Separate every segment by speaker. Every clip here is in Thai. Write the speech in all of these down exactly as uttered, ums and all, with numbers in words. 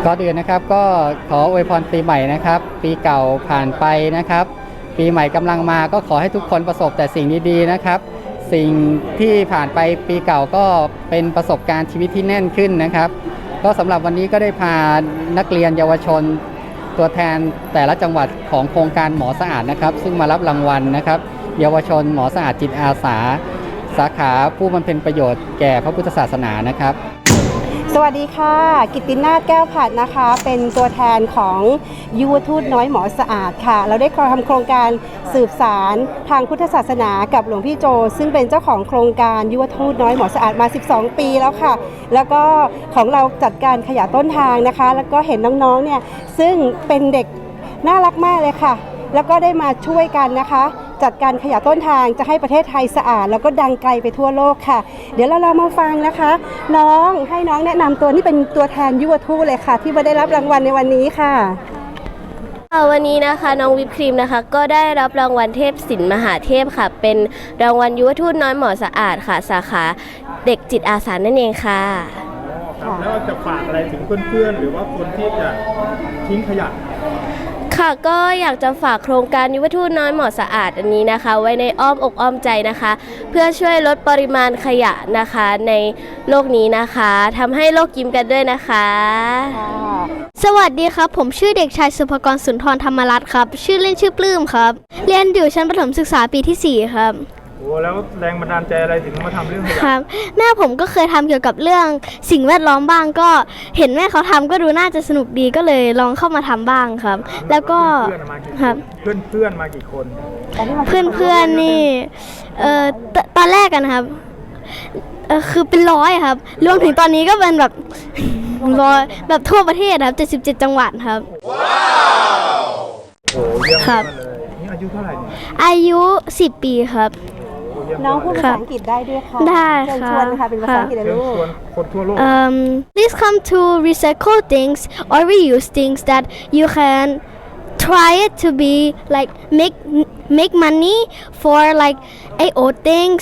Speaker 1: ก่อนอื่นนะครับก็ขออวยพรปีใหม่นะครับปีเก่าผ่านไปนะครับปีใหม่กำลังมาก็ขอให้ทุกคนประสบแต่สิ่งดีๆนะครับสิ่งที่ผ่านไปปีเก่าก็เป็นประสบการณ์ชีวิตที่แน่นขึ้นนะครับก็สำหรับวันนี้ก็ได้พานักเรียนเยาวชนตัวแทนแต่ละจังหวัดของโครงการหมอสะอาดนะครับซึ่งมารับรางวัลนะครับเยาวชนหมอสะอาดจิตอาสาสาขาผู้บำเพ็ญประโยชน์แก่พระพุทธศาสนานะครับ
Speaker 2: สวัสดีค่ะกิตตินาถแก้วผัดนะคะเป็นตัวแทนของยุวทูตน้อยหมอสะอาดค่ะเราได้ทำโครงการสืบสารทางพุทธศาสนากับหลวงพี่โจซึ่งเป็นเจ้าของโครงการยุวทูตน้อยหมอสะอาดมาสิบสองปีแล้วค่ะแล้วก็ของเราจัดการขยะต้นทางนะคะแล้วก็เห็นน้องๆเนี่ยซึ่งเป็นเด็กน่ารักมากเลยค่ะแล้วก็ได้มาช่วยกันนะคะจัดการขยะต้นทางจะให้ประเทศไทยสะอาดแล้วก็ดังไกลไปทั่วโลกค่ะเดี๋ยวเราลองมาฟังนะคะน้องให้น้องแนะนำตัวนี่เป็นตัวแทนยุวทูตเลยค่ะที่มาได้รับรางวัลในวันนี้ค่ะ
Speaker 3: วันนี้นะคะน้องวิปครีมนะคะก็ได้รับรางวัลเทพศิลป์มหาเทพค่ะเป็นรางวัลยุวทูตน้อยหมอสะอาดค่ะสาขาเด็กจิตอาสานั่นเองค่ะ
Speaker 4: ครับแล้วจะฝากอะไรถึงเพื่อนๆหรือว่าคนที่จะทิ้งขยะ
Speaker 3: ค่ะก็อยากจะฝากโครงการยุวทูตน้อยหมอสะอาดอันนี้นะคะไว้ในอ้อมอกอ้อมใจนะคะเพื่อช่วยลดปริมาณขยะนะคะในโลกนี้นะคะทำให้โลกยิ้มกันด้วยนะคะ
Speaker 5: สวัสดีครับผมชื่อเด็กชายสุภกรสุนทรธรรมรัตน์ครับชื่อเล่นชื่อปลื้มครับเรียนอยู่ชั้นประถมศึกษาปีที่สี่ครับ
Speaker 4: โอ้แล้วแรงบันดาลใจอะไรถึงมาทำเรื่องขยะ
Speaker 5: ครับแม่ผมก็เคยทำเกี่ยวกับเรื่องสิ่งแวดล้อมบ้างก็เห็นแม่เขาทำก็ดูน่าจะสนุกดีก็เลยลองเข้ามาทำบ้างครับแล้วก็
Speaker 4: ครับเพื่อนเพื่อนมากี่คน
Speaker 5: เพื่อนเพื่อนนี่เอ่อตอนแรกกันครับเออคือเป็นร้อยครับรวมถึงตอนนี้ก็เป็นแบบร้อยแบบทั่วประเทศครับเจ็ดสิบเจ็ดจังหวัดครับ
Speaker 4: ว้าวโอ้เยี่ยม
Speaker 5: ครับ
Speaker 4: นี่อายุเท่าไหร่เนี่ย
Speaker 5: อายุสิบปีครับ
Speaker 2: น้องพูดภาษาอังกฤษได้ด้วยค่ะ
Speaker 5: ได้ค่ะ
Speaker 2: ชวนค่ะเป็นภาษาอังกฤษเลยลูก
Speaker 4: ชวนคนทั่วโลก
Speaker 5: um please come to recycle things or reuse things that you can try it to be like make make money for like a old things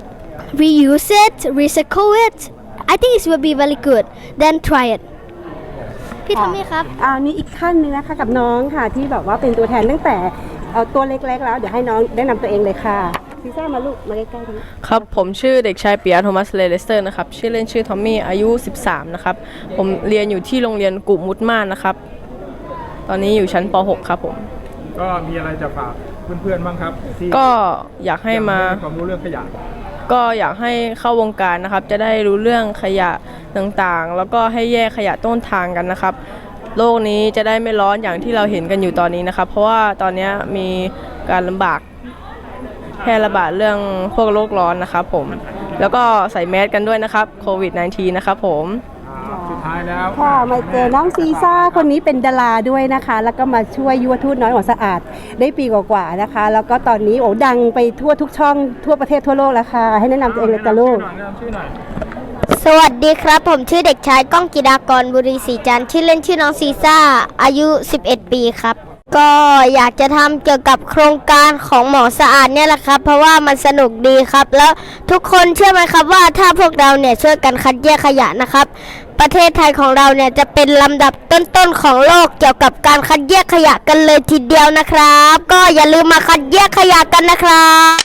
Speaker 5: reuse it recycle it I think it will be very good then try it พี่ทอมมี่ครับ
Speaker 2: อ่านี่อีกขั้นนึงนะคะกับน้องค่ะที่แบบว่าเป็นตัวแทนตั้งแต่ตัวเล็กๆแล้วเดี๋ยวให้น้องแนะนำตัวเองเลยค่ะซีซ่ามาลูกมาใกล้ๆกัน
Speaker 6: ครับผมชื่อเด็กชายปิยะโทมัสเลเลสเตอร์นะครับชื่อเล่นชื่อทอมมี่อายุสิบสามนะครับผมเรียนอยู่ที่โรงเรียนกุมุตม่านนะครับตอนนี้อยู่ชั้นป หก ครับผม
Speaker 4: ก็มีอะไรจะฝากเพื่อนๆบ้างครับที่
Speaker 6: ก็อยากให้มา
Speaker 4: ความรู้เรื่องขยะ
Speaker 6: ก็อยากให้เข้าวงการนะครับจะได้รู้เรื่องขยะต่างๆแล้วก็ให้แยกขยะต้นทางกันนะครับโลกนี้จะได้ไม่ร้อนอย่างที่เราเห็นกันอยู่ตอนนี้นะครับเพราะว่าตอนนี้มีการลำบากแพร่ระบาดเรื่องพวกโรคร้อนนะครับผมแล้วก็ใส่แมสกันด้วยนะครับโควิด สิบเก้า นะครับผม
Speaker 4: สุดท้ายแล้ว
Speaker 2: ค่ะมาเจอน้องซีซ่าคนนี้เป็นดาราด้วยนะคะแล้วก็มาช่วยยุวทูตน้อยหมอสะอาดได้ปีกว่าๆนะคะแล้วก็ตอนนี้โอ้ดังไปทั่วทุกช่องทั่วประเทศทั่วโลกแล้วค่ะให้แนะนำตัวเองเลยจ้ะลูก
Speaker 5: สวัสดีครับผมชื่อเด็กชายก้องกิดากรบุรีศรีจันทร์ชื่อเล่นชื่อน้องซีซ่าอายุสิบเอ็ดปีครับก็อยากจะทำเกี่ยวกับโครงการของหมอสะอาดเนี่ยแหละครับเพราะว่ามันสนุกดีครับแล้วทุกคนเชื่อไหมครับว่าถ้าพวกเราเนี่ยช่วยกันคัดแยกขยะนะครับประเทศไทยของเราเนี่ยจะเป็นลำดับต้นๆของโลกเกี่ยวกับการคัดแยกขยะกันเลยทีเดียวนะครับก็อย่าลืมมาคัดแยกขยะกันนะครับ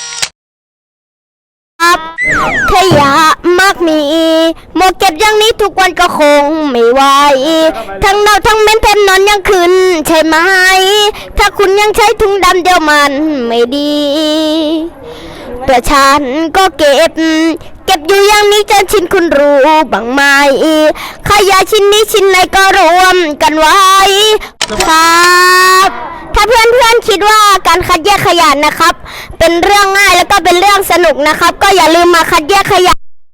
Speaker 5: ขยะมากมีหมดเก็บอย่างนี้ทุกวันก็คงไม่ไหวทั้งเน่าทั้งเหม็นแถมนอนยังคืนใช่ไหมถ้าคุณยังใช้ถุงดำเดียวมันไม่ดีแต่ฉันก็เก็บเก็บอยู่อย่างนี้จนชินคุณรู้บ้างไหมขยะชิ้นนี้ชิ้นไหนก็รวมกันไว้ครับถ้าเพื่อนๆคิดว่าการคัดแยกขยะนะครับเป็นเรื่องง่ายแล้วก็เป็นเรื่องสนุกนะครับก็อย่าลืมมาคัดแยกขยะ